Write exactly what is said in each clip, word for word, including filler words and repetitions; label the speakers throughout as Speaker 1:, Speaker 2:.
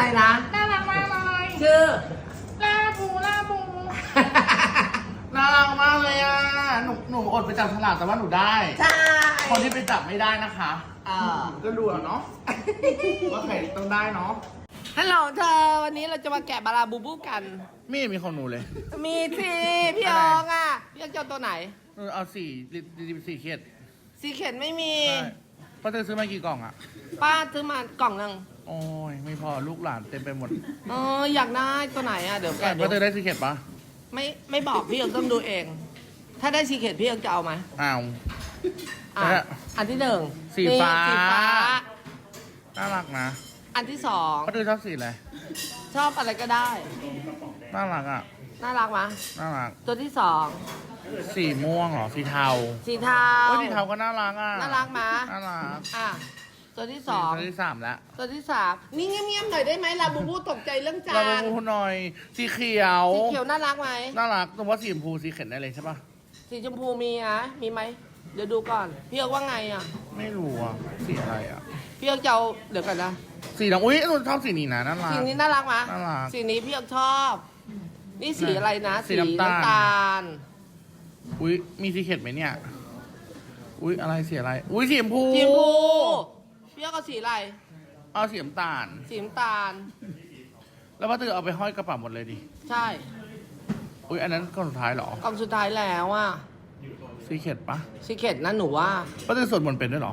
Speaker 1: นะ
Speaker 2: น่ารักมากเลย
Speaker 1: ชื่อ
Speaker 2: ลาบูลาบู
Speaker 3: น่ารักมากเลยอ่ะหนูหนูอดไปจับฉลากแต่ว่าหนูได้
Speaker 1: ใช่
Speaker 3: คนที่ไปจับไม่ได้นะคะ
Speaker 1: เออ
Speaker 3: ก็ดูเอาเนาะ ว่าใครต้องได้เนาะ
Speaker 1: ฮัลโหลเธอวันนี้เราจะมาแกะบาราบูบูกัน
Speaker 3: ไม่มีของหนูเลย
Speaker 1: มีสิพี่อองอ่ะพี่อองจะเอาตัวไหน
Speaker 3: หนูเอาสี่สี่เขียด
Speaker 1: สีเข็นไม่มี
Speaker 3: ใช่เพราะเธอซื้อมากี่กล่องอ่ะ
Speaker 1: ป้าซื้อมากล่องหนึง
Speaker 3: โอ้ยไม่พอลูกหลานเต็มไปหมด
Speaker 1: เอออยากได้ตัวไหนอ่ะเดี๋ยวแกะ
Speaker 3: เพ
Speaker 1: เดี๋ยว
Speaker 3: ราะเธอได้สี่เขียดปะ
Speaker 1: ไม่ไม่บอกพี่อองต้องดูเอง ถ้าได้สีเข็นพี่อองจะเอาไหม
Speaker 3: อ้าว
Speaker 1: อ่ะ
Speaker 3: แล้ว
Speaker 1: อันที่หนึ่ง
Speaker 3: สีฟ้า
Speaker 1: นี่สีฟ้า
Speaker 3: น่ารักนะ
Speaker 1: อันที่สอง
Speaker 3: เพราะเธอชอบสีอะไร
Speaker 1: ชอบอะไรก็ได้
Speaker 3: น่ารักอ่ะ
Speaker 1: น่ารักมะ
Speaker 3: น่ารัก
Speaker 1: ตัวที่สอง
Speaker 3: สีม่วงเหรอสีเทา
Speaker 1: สีเทา
Speaker 3: โอ้ยสีเทาก็น่ารักอ่ะ
Speaker 1: น่ารักมะ
Speaker 3: น่ารัก
Speaker 1: อ่ะตัวที่สอง
Speaker 3: ตัวที่สามแล้ว
Speaker 1: ตัวที่สามนี่เงียบๆหน่อยได้ไหมลาบูบูตกใจเรื่องจา
Speaker 3: เราไป
Speaker 1: น
Speaker 3: พูดหน่อยสีเขียว
Speaker 1: สีเขียวน่ารักไหม
Speaker 3: น่ารักแต่ว่าสีชมพูสีเข็นได้เลยใช่ปะ
Speaker 1: สีชมพูมีนะมีไหมเดี๋ยวดูก่อนพี่เอกว่าไงอ่ะ
Speaker 3: ไม่รู้อ่ะสีอะไรอ่ะ
Speaker 1: พี่เอกจะเอาเดี๋ยวกันนะ
Speaker 3: สีดำอุ้ยหนูชอบสีนี้นะน่ารัก
Speaker 1: สีนี้น่ารักไหม
Speaker 3: น่ารัก
Speaker 1: สีนี้พี่เอกชอบ นี่สีอะไรนะ
Speaker 3: สีน้ำตาล
Speaker 1: น้ำตาล
Speaker 3: อุ้ยมีสีเข็ดไหมเนี่ยอุ้ยอะไรสีอะไรอุ้ยสีชมพู
Speaker 1: สีชมพูพี่เอกเอาสีอะไร
Speaker 3: เอาสีน้ำตาล
Speaker 1: สีน้ำตาล
Speaker 3: แล้วว่าเธอเอาไปห้อยกระเป๋าหมดเลยดิ
Speaker 1: ใช่
Speaker 3: อุ้ยอันนั้นก้อนสุดท้ายเหรอก
Speaker 1: ล่องสุดท้ายแล้วอ่ะ
Speaker 3: สีเข็ดปะ
Speaker 1: สีเข็ดนะหนูว่า
Speaker 3: ว่าเธอสวดมนต์เป็นด้วยเหรอ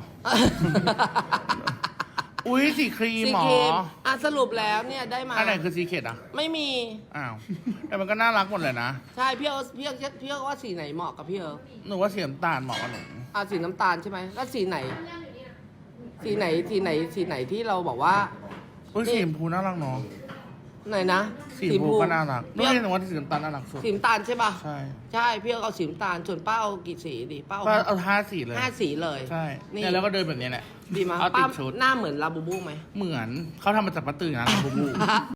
Speaker 3: อุ้ยสีครีม
Speaker 1: สี
Speaker 3: หมอ
Speaker 1: เข็ดอ่ะสรุปแล้วเนี่ยได้มา
Speaker 3: อันไหนคือสีเข็ดอ่ะ
Speaker 1: ไม่มี
Speaker 3: อ้าวแต่มันก็น่ารักหมดเลยนะ
Speaker 1: ใช่พี่เอกพี่เอกพี่เอกว่าสีไหนเหมาะกับพี่เอก
Speaker 3: หนูว่าสีน้ำตาลเหมาะกับหนู
Speaker 1: อ่ะสีน้ำตาลใช่ไหมแล้วสีไหน สีไหนสีไหนสีไหนที่เราบอกว่า
Speaker 3: อุ้ยสีชมพูน่ารักเนาะ
Speaker 1: ไหนนะ
Speaker 3: สีชมพูก็น่ารัก
Speaker 1: พี่
Speaker 3: นี่
Speaker 1: เอก
Speaker 3: หนูว่าสีน้ำตาลน่ารักสุด
Speaker 1: สีน้ำตาลใช่ป่ะ
Speaker 3: ใช่
Speaker 1: ใช่พี่เอกเอาสีน้ำตาลส่วนป้าเอากี่สีดิป้า
Speaker 3: ก็
Speaker 1: เอา
Speaker 3: เอาห้าสีเลย
Speaker 1: ห้าสีเลย
Speaker 3: ใช่
Speaker 1: นี่
Speaker 3: เนี่ยแล้วก็เดินแบบนี้แหละ
Speaker 1: ดีมั้ย
Speaker 3: เอาติ
Speaker 1: ป้า
Speaker 3: ดชุด
Speaker 1: หน้าเหมือนลาบูบูไหม
Speaker 3: เหมือนเขาทำมาจากปลาตื่นนะบูบู